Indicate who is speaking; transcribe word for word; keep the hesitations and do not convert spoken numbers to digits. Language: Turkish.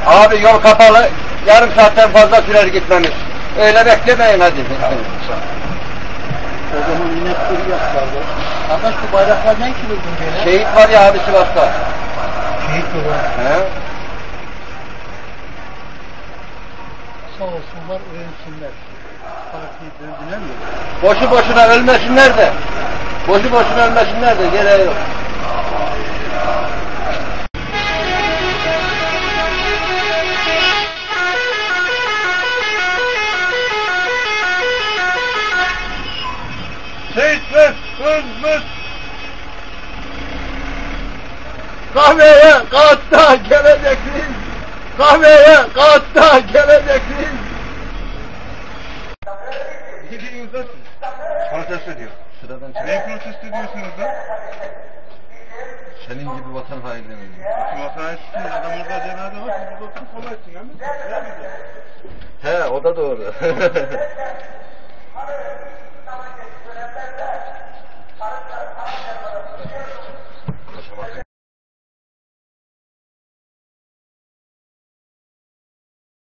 Speaker 1: Abi yol kapalı, yarım saatten fazla sürer gitmemiz. Öyle beklemeyin hadi.
Speaker 2: O zaman inekleri yaplardı. Arkadaş bu bayraklar ne ki buldun böyle?
Speaker 1: Şehit var ya abi Sivas'ta.
Speaker 2: Şehit mi var?
Speaker 1: He?
Speaker 2: Sağ olsunlar, öğrensinler. Partiyi böldüler mi?
Speaker 1: Boşu boşuna ölmesinler de. Boşu boşuna ölmesinler de, gereği yok. Şehitler ölmüş. Kahveye kağıtta geleceksiniz. Kahveye kağıtta geleceksiniz. Ne diyorsunuz? Protesto ediyor. Sıradan çıkıyor.
Speaker 3: Neyi protesto ediyorsunuz da?
Speaker 1: Senin gibi vatan hainleri.
Speaker 3: Vatan hainleri, adam orada cenaze var, siz burada oturup kolay etsin, değil mi?
Speaker 1: He, o da doğru.